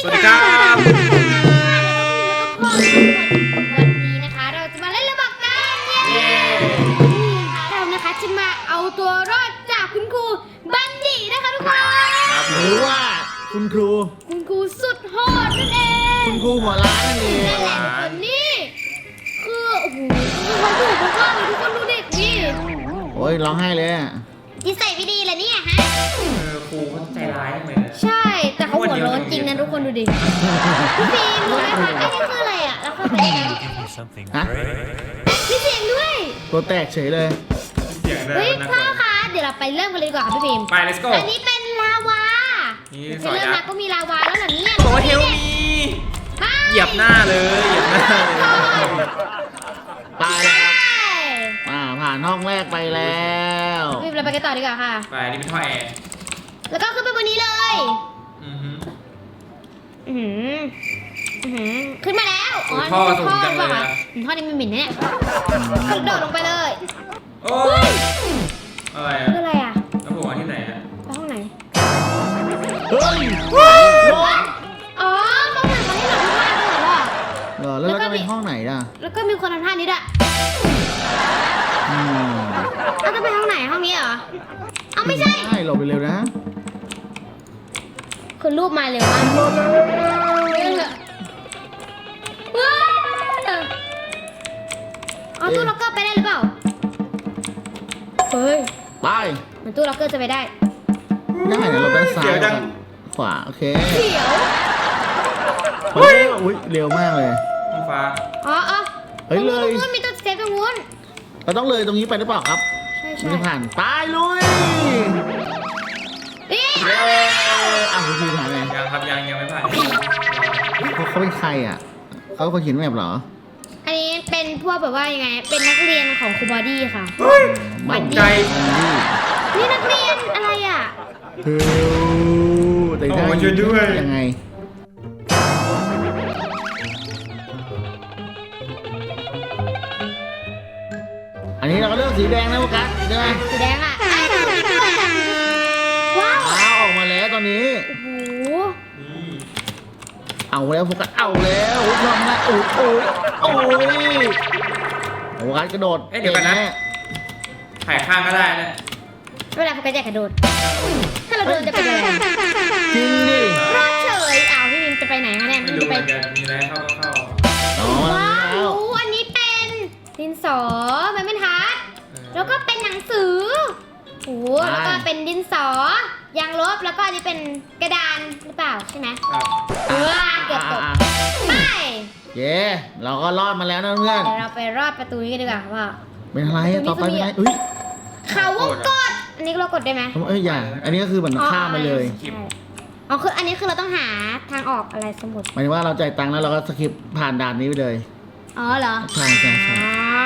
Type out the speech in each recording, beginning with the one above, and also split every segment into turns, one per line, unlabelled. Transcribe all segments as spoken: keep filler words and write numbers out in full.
สวัสดีครับ
วันนี้นะคะเราจะมาเล่นระบบกันเย้เรานะคะจะมาเอาตัวรอดจากคุณครูบัณฑิตนะคะทุกคน
หรือว่าคุณครู
คุณครูสุดโหดนั่นเอง
คุณครูหัวล้านนั่นเอง
นั่นแหละทุกคนนี่คือโอ้โหคือเขาดุมากเลยทุกคนดูเด็กนี่
โอ้ยร้องไห้เลยอ่ะ
นิสัยไม่ดีเลยเนี่ยฮะ
เออครูเขาใจร้ายทำไมเนี่ย
ใช่แต่เขาหัวร้อนจริงนะทุกคนดูดิพี่ฟิล์มรู้ไหมคะไอ้นี่คืออะไรอ่ะแล้วเขาเป็นยังไง
ฮะ
มีเสียงด้วย
ตัวแตกเฉยเลย
เสียงเลย
เฮ้ย
นะ
พ่อคะเดี๋ยวเราไปเริ่มกันเลยดีกว่าค่ะพี่พิมพ์
ไป let's go
อันนี้เป็นลาวา
นี่ส
จะ
อน
เริ่ม
ยั
มาก ก็มีลาวาแล้วเหรอเนี่ย
บอกว่าเฮลมีเหยียบหน้าเลยเหยียบหน้าเลย
ตายแล้วครับอ่าผ่านห้องแรกไปแล้ว
พี่พิมพ์เราไปกันต่อดีกว่าค่ะ
ไปนี่เป็นท่อแอร์
แล้วก็ขึ้นไปบนนี้เลย
อือฮึ
อือหืออือหือขึ้นมาแล้วอ๋อ
ท่อ
นี่
สู
เป็น
ง
ท่อ
จัง
ห
เล
รือย เปล่า
นะ
คะอืมท่อนี้มันหมิ่นนะเนี่ยกระโดดลงไปเลย
โอ้ยอะไรอ่ะ
คืออะไรอ่ะ
แล้วผมมาที่ไหนอ่ะ
ไปห้องไหน
เฮ้ย
อ๋อห้องไหนตอนที่เราทุกวันเหรอ
เหรอแล้วเราจะไปห้องไหนล่ะ
แล้วก็มีคนทำท่านี้ด้วย
อืม
เอาจะไปห้องไหนห้องนี้เหรอเอาไม่ใช่
ใช่หลบไปเร็วนะ
คือรูปมาเร็วมากว้าวเอาตู้ล็อกเกอร์ไปได้หรือเปล่า เฮ้ย
ไป
มันตู้ล็อกเกอร์จะไปได้
ได้นะหลบด้านซ้ายกับขวาโอเค
เขียว
เฮ้ยอุ้ยเร็วมากเลย
ห้องฟ้า
อ๋ออ๋อ
เฮ้ยเลย
ตรงนู้นมีตัวเซฟตรงนู้น
เราต้องเลยตรงนี้ไปหรือเปล่าครับ
ใช่
มัน
ใช่
จะผ่านตายลุย
นี่
เย้อ่ะคุณครูผ่านไง
ยังครับยังยังไม่ผ่าน
เขาเขาเป็นใครอ่ะเขาเป็นคนเขียนแบบเหรอ
อันนี้เป็นพวกแบบว่ายังไง เป็นนักเรียนของครูบอดี้ค่ะ
เฮ้ย
มั
ตกใจ
นี่นักเรียนอะไรอ่ะ
เฮ้ยแต่ได้
โอ้ช่วยด้วย
ยังไงอันนี้เราก็เลือกสีแดงนะโฟกัสใช่ไหม
สีแดงอ่ะอ่ะว้าว
อ้าวออกมาแล้วตอนนี้
โอ้โห
นี่
เอาแล้วโฟกัสเอาแล้วอุ้ยลองนะโอ้ยโอ้ยโอ้ยโฟกัสกระโดด
เอ้ยเดี๋ยวกันนะถ่ายข้างก็ได้นะ
เวลาโฟกัสอยากกระโดด ถ้าเราโดนจะเป็นอะไร
จริงดิ
รอดเฉยอ้าวพี่มิมจะไปไหนคะเนี่ย
ไม่
มิม
รู้
จะ
เห
ไป
มือนกันมีอะไรเข้าก็เข้า
อ๋อมา
ว้า
แล้ว
วอันนี้เป็นดินสอมันเป็นทัดแล้วก็เป็นหนังสือโอ้โหแล้วก็เป็นดินสอยางลบแล้วก็อันนี้เป็นกระดานหรือเปล่าใช่ไหม
ครับ
เออเกือบตกไป
เย้เราก็รอดมาแล้วนะเพื่อน
เดี๋ยวเราไปรอดประตูนี้กันดีกว่าว่า
เป็นอะไรอะต่อไปเป็นอะไรอุ้ย
เขาวงกดอันนี้เรากดได้ไหม
เอ้ยอย่าอันนี้ก็คือเหมือนข้ามไปเลย
ใช่อ๋อคืออันนี้คือเราต้องหาทางออกอะไรสมุด
หมายถึงว่าเราจ่ายตังค์แล้วเราก็สคิปผ่านด่านนี้ไปเลย
อ๋อเหรอ
ใช่ใช่ใช่
อ๋อ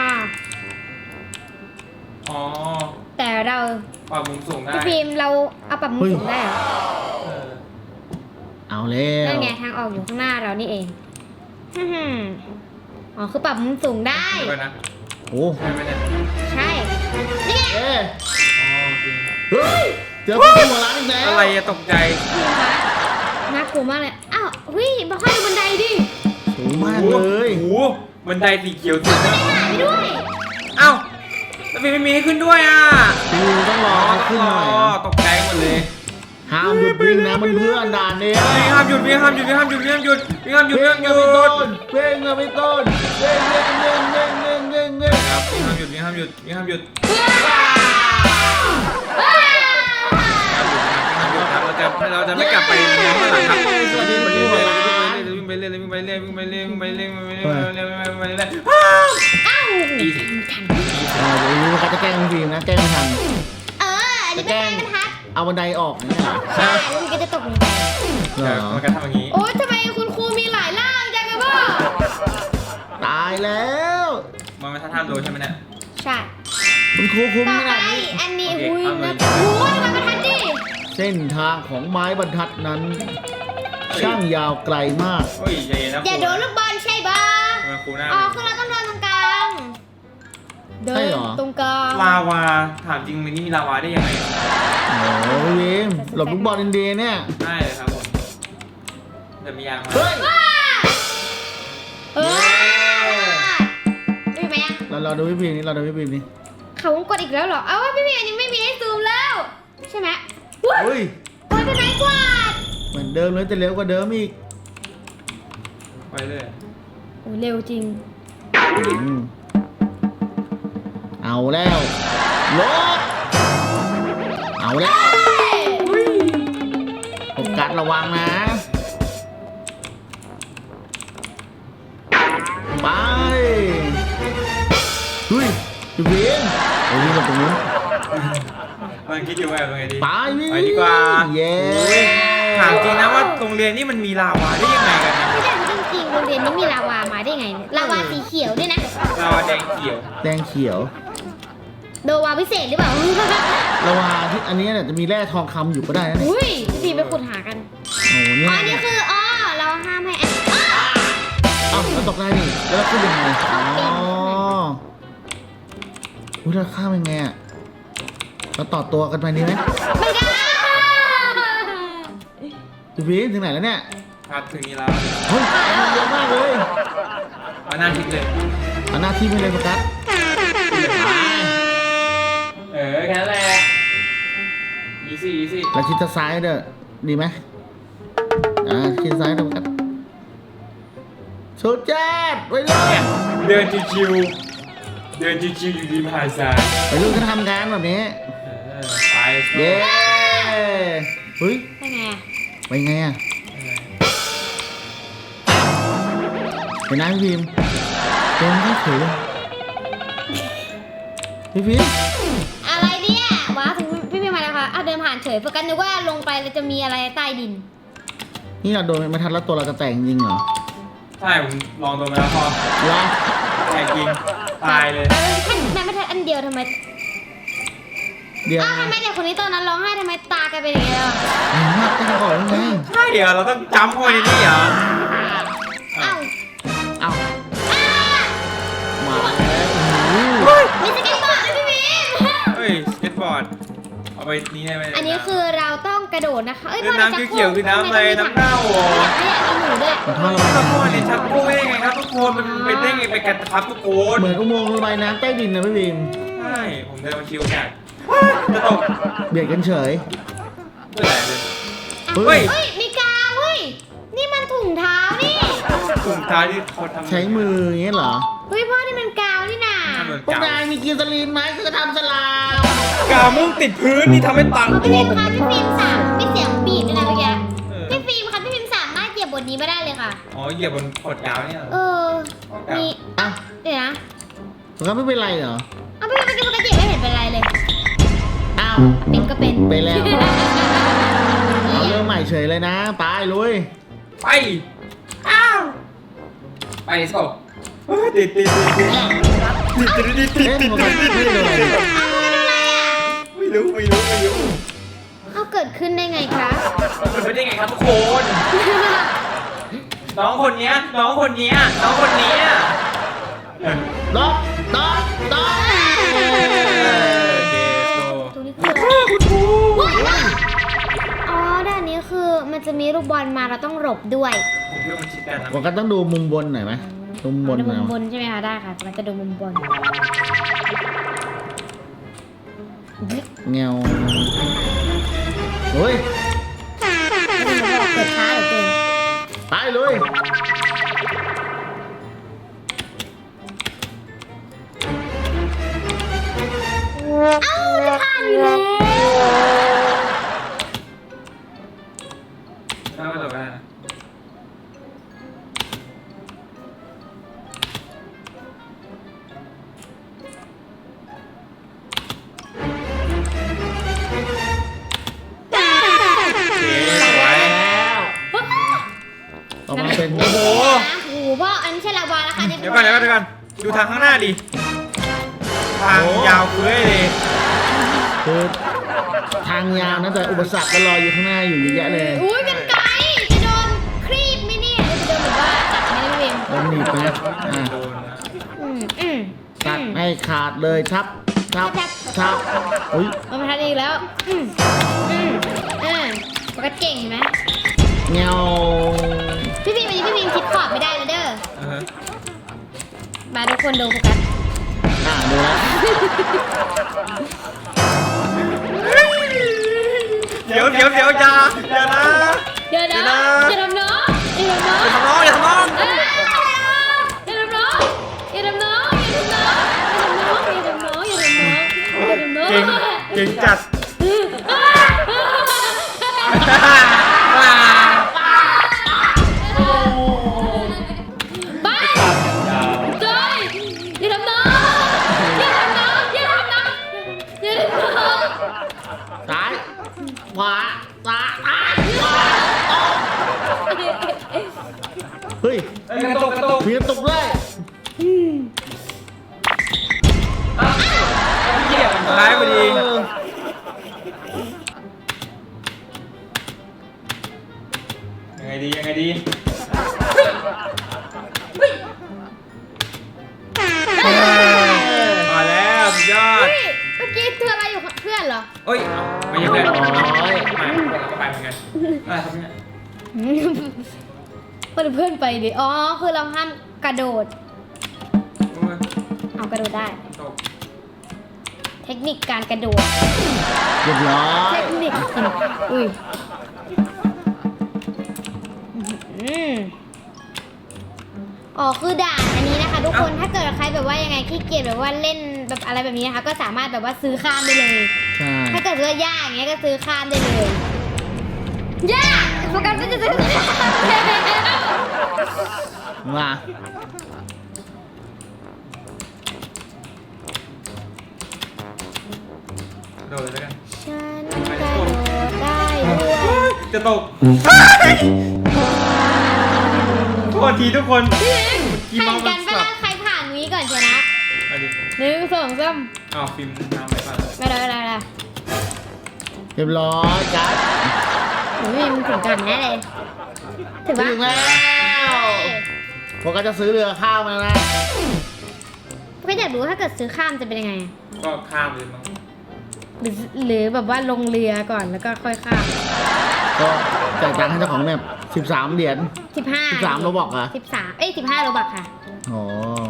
อ๋อ
แต่เรา
ปรับมุมสูงได้
พี่พิมพ์เราเอาปรับมุมสูงได้เหรอ
เออ
เอาแล้ว
นั่นไงทางออกอยู่ข้างหน้าเรานี่เองฮึ่มอ๋อคือปรับมุมสูงได้
เดี๋ยวก่อนนะ
โอ้
ใช่ไหมเนี่ย
ใช่นี่ไง
เอ๊ะ
อ๋อโอเค
เฮ้ยเจอพี่หัวร้านอีกแล้ว
อะไรอะตกใจ
พี่คะน่ากลัวมากเลยอ้าวเฮ้ยบอกให้ดูบันไดดิ
สูงมากเลย
โอ้โหบันไดสีเขียวสุด
หายไปด้วย
เอ้าแล้วพี่ไม่มีให้ขึ้นด้วยอ่ะ
พี่ต้องรอ
อ๋อ
ขึ้นหน่อย
อ๋อตกใจหมดเลย
ห้ามหยุดวิ่งนะมันเพื่อนด่านนี้
พี่ห้ามหยุดพี่ห้ามหยุดพี่ห้ามหยุดพี่ห้ามหยุดพี่ห้ามหยุดพี่
เพ่
ห้าง มหยุดพี่ต้น
เพ่งนะพี่ต้นเพ่งเพ่งเพ่งเพ่งเพ่งเพ่งเพ่ง
ครับพี่ห้ามหยุดพี่ห้ามหยุดพี่ห้ามหยุด
ว้าว
เราจะเราจะไม่กลับไปมองข้างหลังครับสวัสดีวันนี้เลยวิ่งไปเรื่อยวิ่งไปเรื่อยวิ่งไปเรื่อยวิ่งไปเรื่อยวิ่งไปเรื่อยวิ่งไปเรื่อยวิ่งไปเรื่อยวิ่งไปเรื่อย
อ้าว
อีสิ
อ่าเดี๋ยวนี้เขาจะแกล้งฟิล์มนะแกล้งไม่ทัน
เอออันนี้เป็นไม้บรรทัด
เอาบันไดออกเนี่ยเหรอ
ใช่แล้วมันก็จะตกลงไป
เหรอ
มันก็ทำอย่างนี้
โอ๊ยทำไมคุณครูมีหลายร่างจังอะพ่อ
ตายแล้ว
มันไม่ท่าทางโดนใช่ไหมเนี่ย
ใช่
คุณครูคุ้ม
ต่อ
ข
ไป
นาดนี้
อันนี้
โอเค
อุ้ย
เอาเลย
นะโอ้ยมันบรรทัดดิ
เส้นทางของไม้บรรทัดนั้น ช่างยาวไกลมาก
โอ้ยใจเย็นนะ
อย่าโดนลูกบอลใช่ปะ
ทำไมครูหน้า
อ๋อคือเราต้องเดินตรงกลางเดิ
ใช่
น
เหรอ
ตรงกลาง
ลาวาถามจริงมันนี่มีลาวาได้ยังไง
โอ้ยวิมหลบลูกบอลอินเดียเนี่ย
ได้เลยครับผม
เ
จะมียางมา
เฮ้ย
เออไม่มีไหมอ่ะ
เราเราดูพี่พีนี่เราดูพี่พีนี่
เขากดอีกแล้วเหรอ เอาว่าพี่เมียยังไม่มีให้ซูมแล้ว ใช่ไหมอุ้ย
เฮ้ย
โอ้ยเป็นไม้กวาด
เหมือนเดิมเลยแต่เร็วกว่าเดิมอีก
ไปเลย
โอ้ยเร็วจริง
อืมเอาแล้วลบเอาแล้วโฟกัสระวังนะไปเฮ้ยพี่พีนโอ้ยนี่มันตรงนู้น
มันคิดอยู่ว่าเป็นไงดี
ไปพี่
ไปดีกว่า
เย้
ถามจริงนะว่าโรงเรียนนี่มันมีลาวาได้ยังไงกันนะ
ไม่ได้จริงๆโรงเรียนนี้มีลาวามาได้ไงเนี่ยลาวาสีเขียวด้วยนะ
ลาวาแดงเขียว
แดงเขียว
โดวาพิเศษหรือเปล่า
ระหว่างที่อันนี้เนี่ยจะมีแร่ทองคำอยู่ก็ได้นะเนี่ย
อุ้ยพี่ไปขุดหากัน
โอ้โห
อ๋
นี่
อนี่คืออ๋อเราห้ามให้อ่ะอ้าว
เอ้าแล้วตกได้นี่แล้วขึ้นยังไงอ๋ออุ้ยแล้วข้ามยังไงอ่ะเราต่อตัวกันไปนี่ไหม
ไม่ได้
พี่พีนถึงไหนแล้วเนี่ย
ครับถึงนี้แล้ว
เฮ้ยเยอะมากเลย
มาหน้าทิศเลย
เอาหน้าที่ไปเลยโฟกัส
เออแค่นั้นแหละอีซี่อีซี่
แล้วชิดซ้ายเด้อดีไหมอ่าชิดซ้ายเด้อโฟกัสโซเจ็ดไปเลย
เดินชิวๆเดินชิวๆอยู่ริมหาดทราย
ไปลูกก็ทำงานแบบนี้
เออไป
เย้เฮ้ย
เป็นไงอ่ะ
ไปไงอ่ะเห็นไหมพี่พิมเดินไม่ถือเลยพี่พิม
อะไรเนี่ยว้าวถึงพี่พี่มาแล้วค่ะอ้าวเดินผ่านเฉยโฟกัสนึกว่าลงไปแล้วจะมีอะไรใต้ดิน
นี่เราโดนไม่ทันแล้วตัวเราจะแตกจริงเหรอ
ใช่ผมลองตัวมาแล้วพอ
วะ
แตกจริงตายเลย
ออท่านแม่ไม่ทันอันเดียวทำไม
เดี๋ยว
อ้าวทำไมเด็กคนนี้ตอนนั้นร้องไห้ทำไมตาแกเป็นอย่างเงี้ยอ่ะ
เห็นมากแค่ก่อนยังไง
ใช่เหรอเราต้องจำเข้าไปในนี่เหรอ
อ้าว
เอ้า
อ้าว
มาแล้วโอ้โห
มีสเก็ตบอร์ดด้วยพี่พิม
เฮ้ยสเก็ตบอร์ดเอาไปนี่ได้ไหม
อันนี้คือเราต้องกระโดดนะคะเอ้ย
คือน้ำเขียวๆคือน้ำอะไรน้ำเน่าเหรอ
ไม่อยากมีหมูด้วย
ขอโทษระ
ทุ
บาย
กคนเนี่ยชักโครกได้ไงครับทุกคนมันเป็นได้ไงไปกันครับทุกคน
เหมือนอุโมงค์ระบายน้ำใต้ดินนะพี่พิม
ใช่ผมเดินมาชิวจัดจะตก
เบียดกันเฉย
เมื่อไหร่เลย
เฮ้
เฮ้
ย
ย
เฮ้ยมีกาวเฮ้ยนี่มันถุงเท้านี่
ถุงเท้าที่เขาทำ
ใช้มืออย่างเงี้ยเหรอ
เฮ้ยพ่อนี่มันกาวนี่นา
เหมือน
พวก
กาวน
ายมีกินสลีนไหมคือทำสลาม
กาวมุ่งติดพื้นนี่ทำให้ตัง
พี่ฟิล์มคะพี่ฟิล์มสามไม่เสียงบีบด้วยนะเมื่อกี้
เออ
พี่ฟิล์มคะพี่ฟิล์มสามารถเหยียบบทนี้ไม่ได้เลยค่ะ
อ๋อเหยียบบนขดกาวเนี่ยเหรอ
เออ มี
อ่ะ
เดี๋ยวนะ
มันก็ไม่เป็นไรเหรอ
เอาพี่ฟิล์มเมื่อกี้ปกติไม่เห็นเป็นไรเลย
อ้าว
เป็นก็เป็น
ไปแล้ว เอาเรื่องใหม่เฉยเลยนะไปลุย
ไปอ้าวไปสกเฮ้ยติดติดติดติดติดติดติด
เอ๊ะ
ติด
มันก็ไม่เลย
เอาคุณเป็นอะไรอ่ะ
ไม่รู้ไม่รู้ไม่รู้
เอาเกิดขึ้นได้ไงคะ
มันเป็นได้ไงครับทุกคน น้องคนเนี้ยน้องคนเนี้ยน้องคนเนี้ย
ดอกดอกดอก
โอเคโซ
ตรงนี้คืออะไรอ๋อด้านนี้คือมันจะมีลูกบอลมาเราต้องหลบด้วย
ผมคิดว่ามันชิดกันนะ
ผมก็ต้องดูมุมบนหน่อยไหมมุมบน
ดู
หน่
มุ
อย
มบนใช่ไหมคะได้ค่ะมันจะดูมุมบน
เงาเฮ้ย
เกิดช้าเหลือเกิน
ไปลุย
เอ้าจะผ่านอยู่แล้ว
ถ้าไม่ตกได้นะโอเคสวย
ออกมาเป็น
โอ้โห
โอ้โหพ่ออันนี้ใช่ลาวาแล้วค่ะ
เดี๋ยวก่อนเดี๋ยวก่อนเดี๋ยวก่อนดูทางข้างหน้าดิ ทางยาวเฟ้ยเลย
คือทางยาวนะแต่อุปสรรคก็รออยู่ข้างหน้าอยู่เยอะแยะเลย
อุ้ยเป็นไกลจะโดนครีบไหมเนี่ยจะโดนแบบว่าตัดไหมนะพี่เวม
โดนหนีบไปนะอ่ะ
โดนนะ
อืมอืม
ตัดให้ขาดเลยทับทับทับอุ้ย
มันมาทันอีกแล้ว อืมอืมอ่าปกติเก่งเห็นไหม
เงา
มาทุกคนดูโฟกัส
อ่าดูแล้ว
เดี๋ยวเดี๋ยวเดี๋ยวจ้าเดี๋ยวนะ
เดี๋ยวนะอย่าทำน้องอย่าทำน้อง
อย่าทำน้องอย่าทำน้อง
อย่าทำน้องอย่าทำน้องอย่าทำน้องอย่าทำน้องอย่าทำน้องอย่าทำน้องอย่าทำน้อง
เก่งเก่งจัด
บ้าจอยอย่าทำน้องอย่าทำน้องอย่าทำน้องอย่าทำน้อง
ซ้ายขวาซ้ายซ้ายเฮ้ย
กระตุกกระตุก
มีกระตุกด้วย
เหี้ยมันท้ายพอดี
เออ
ยังไงดียังไงดีมาแล้วสุดยอด
เมื่อกี้ตัวอะไรอยู่เพื่อนเหรอ
เอ้ยไม่ใช่เพื่อนไม่ไม่ก็ไปเหมือนกันอะไรครับเนี่ย
เพื่อนเพื่อนไปดิอ๋อคือเราห้ามกระโดดเอากระโดดได้
ตก
เทคนิคการกระโดด
เรียบร้อ
เท
ย
คนิคจริงอุ้ยอืมอ๋อคือด่านอันนี้นะคะ ทุกคนถ้าเกิดใครแบบว่ายังไงขี้เกียจแบบว่าเล่นแบบอะไรแบบนี้นะคะ ก็สามารถแบบว่าซื้อข้ามได้เลย
ใช่
ถ้าเกิดว่ายากอย่างเงี้ยก็ซื้อข้ามได้เลยยากโฟกัสก็จะซื้อข้ามแล้ว
มา
โดดเลยแล้วกัน
ฉันกระโดดได้ด้วย
จะตกโทษทีทุกคน
แข่งกันไปแล้วใครผ่านวีก่อนชนะ
เอาดิ
หนึ่งสองสาม
อ้าวฟิล์มทำไปก่อน
ไม่ได้ไม่ได้ไม่ได้
เรียบร้อยจัด
หนูยังถึงกันแน่เลยถึง
ถึ
ปะ
งแล้วพวกก็จะซื้อเรือข้าวมานะ
ก็อยากรู้ถ้าเกิดซื้อข้ามจะเป็นยังไง
ก็ข้ามเลยมั้ง
หรือหรือแบบว่าลงเรือก่อนแล้วก็ค่อยข้าม
ก็จ่ายตังค์ให้เจ้าของเนี่ยสิบสามเหรียญ
สิบห้า
สิบสามโรบอกเหรอ
สิบสามเอ้ยสิบห้าโรบักค่ะ
โอ้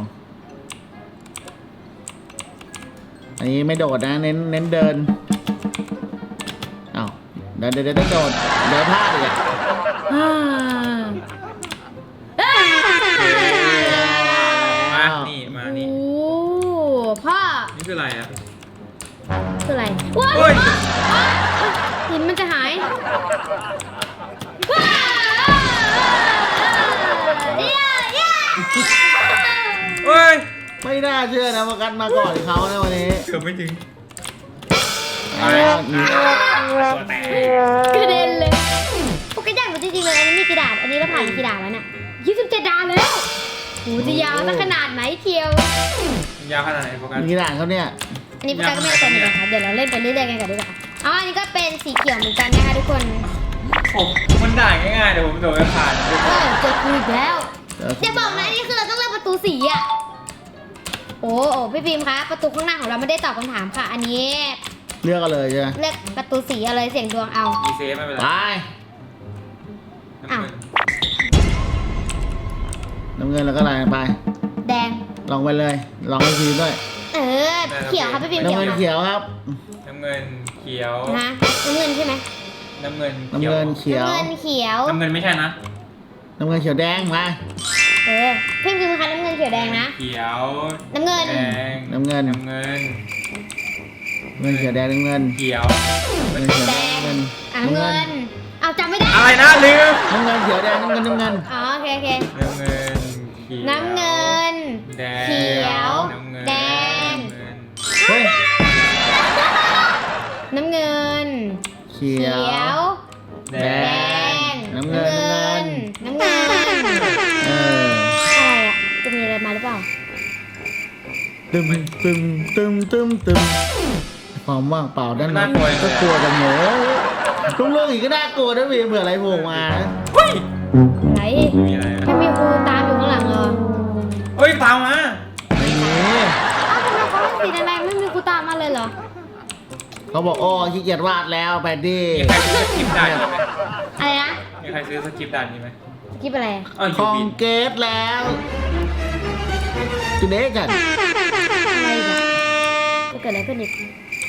อันนี้ไม่โดดนะ เน้นเน้นเดินอ้าวเดินเดินเดินโดดเดินพลาดอีกอ่ะ
อ่าอ่า
มานี่มานี่
โอ้พ่อ
นี่คืออะไรอ่ะ
คืออะไรว้าว
เฮ้ย
หินมันจะหายว้าวเย้เย้
เฮ้ย
ไม่น่าเชื่อนะว่ากันมาก่อนเขานะวันนี้
เกือบไม่ถึง
เอาแล้วนี่
ตัวแตก
กระเด็นเลยโอ้กระดานมันจริงๆเลยอันนี้มีกี่ด่านอันนี้เราผ่านกี่ด่านแล้วเนี่ยยี่สิบเจ็ดด่านแล้วโหจะยาวสักขนาดไหนเชียว
ยาวขนาดไหนโฟกัส
มีกี่ด่านเขาเนี่ย
อันนี้พวกเราก็ไม่ได้เต็มเลยค่ะเดี๋ยวเราเล่นไปเรื่อยๆกันก่อนดีกว่าอ๋ออันนี้ก็เป็นสีเขียวเหมือนกันนะคะทุกคน
ผมมันด่าง่ายๆแต่ผมโดดไม่ผ่าน
เออเจอกูอีกแล้ว
เดี๋ยว
อย่าบอกนะอันนี่คือเราต้องเลือกประตูสีอ่ะโอ้โอ้พี่บีมคะประตูข้างหน้าของเราไม่ได้ตอบคำถามค่ะ อันนี้
เลือกกันเลยใช่ไหม
เลือกประตูสีอะไรเสี่ยงดวงเอา
อีเซฟไม่เป็นไร
ไป
น้ำเงิน
น้ำเงินแล้วก็อะไรไป
แดง
ลองไปเลย ลองให้ทีด้วย
เออเขียวครับพี่บีม
น้ำ
เขียว
เงิน
ค่ะ
เขียวครับ
น้ำเงินเขียว
ฮะน้ำเงินใช่ไหม
น้ำเงิน
น้ำเงินเขียว
น้ำเงินเขียว
น้ำเงินไม่ใช่นะ
น้ำเงินเขียวแดงมา
เออพี่บีมคะน้ำเงินเขียวแดงนะ
เขียว
น้ำเงิน
แดง
น้ำเงิน
น้ำเงิน
น้ำเงินเขียวแดงน้ำเงิน
เขียว
น้ำเงินเขียว
แด
แดง
ง
น้ำเงิน
อ่ะน้ำเงินเอาจำไม่ได้
อะไรนะลืม
น้ำเงินเขียวแดงน้ำเงินน้ำเงิน
อ๋อโอเคโอเค
น้ำเงินเขียว
น้ำเงิน
แดง
เขียว
น้ำเงิน
แดง
น้ำเงิน
เฮ้ย
น้ำเงิน
เขี
เขี
ยว
ยว
แด
แด
ง
ง
น้ำเงิน
น้ำเงิน
เออ
อะไรอ่ะ จะมีอะไรมาหรือเปล่า
ตึมตึมตึมตึมตึมความว่างเปล่าด้านในก็กลัวจังโหลุงเรื่องอีกก็น่ากลัวนะพี่เผื่ออะไรโผล่มานะ
เฮ้ย
อะไร
มีอะไรอะ
ถ้ามีครูตามอยู่ข้างหลังเหรอ
เฮ้ยตามมา
ไม่มี
อ้าวทำไมเขาให้สีแดงๆไม่มีครูตามมาเลยเหรอ
เขาบอกโอ้ขี้เกียจวาดแล้วไปดิ
มีใครซื้อสคริปต์ด่านนี้ไหม
อะไรนะ
มีใครซื้อสคริปต์ด่านนี้ไหม
สกิปอะไร
อ๋อ
ค
ยู
อง
บิน
เกตแล้วจุดเด็กกัน
อะไรอีกอะจะเกิดอะไรขึ้นอีก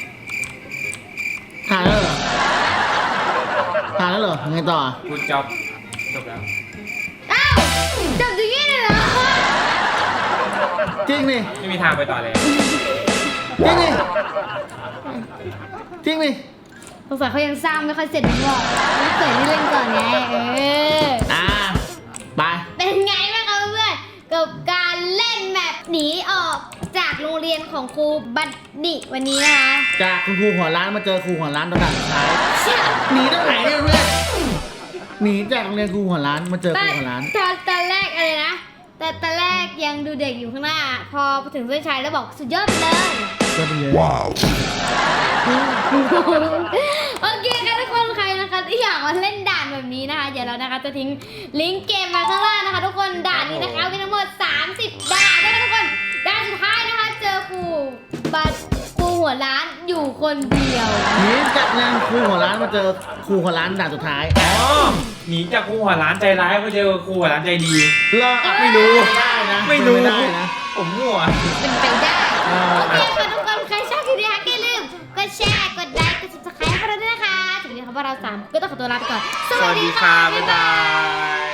ผ่านแล้วเหรอผ่านแล้วเหรอไงต่อ
กูจ็อบจบแล้ว
อ้าวจบอย่างนี้เลยเหรอ
จริงนี่
ไม่มีทางไปต่อเลย
จริงนี่จริงนี่
สงสัยเขายังสร้างไม่ค่อยเสร็จหรือเปล่าไม่เสร็จนี่เล่นก่อนไงเออ
อ่าไป
เป็นไงบ้างคะเพื่อนๆกับการเล่นแบบหนีออกจากโรงเรียนของครูบัดดี้วันนี้นะคะ
จากคุณครูหัวร้านมาเจอครูหัวร้านตอนสุดท้ายหนีตรงไหนเนี่ยเพื่อนหนีจากโรงเรียนครูหัวร้านมาเจอครูหัวร้าน
ตอนตอนแรกอะไรนะแต่ตอนแรกยังดูเด็กอยู่ข้างหน้า พอถึงเส้นชัยแล้วบอกสุดยอดไปเลย
ก็เป็นเลย
โอเคค่ะทุกคนใครนะคะที่อยากมาเล่นด่านแบบนี้นะคะเดี๋ยวเรานะคะจะทิ้งลิงก์เกมมาข้างล่างนะคะทุกคนด่านนี้นะคะมีทั้งหมดสามสิบด่านนะคะทุกคนด่านสุดท้ายนะคะเจอครูบัดครูหัวร้านอยู่คนเดียว
หนีจากโรงเรียนครูหัวร้านมาเจอครูหัวร้านด่านสุดท้าย
อ๋อหนีจากครูหัวร้านใจร้ายมาเจอครูหัวร้านใจดี
รอ
ไม่รู้
ได้นะ
ไม่รู้
ไม่ได้นะ
ผมมั่ว
เป็นไปได้
เออ
โอเคค่ะทุกคนใครชอบคลิปนี้นะคะอย่าลืมกดแชร์กดไลค์กด ซับสไครบ์ ให้พวกเราด้วยนะคะถึงนี้ค่ะพวกเราสามก็ต้องขอตัวลาไปก่อน
สวัสดีค่ะ บ๊ายบาย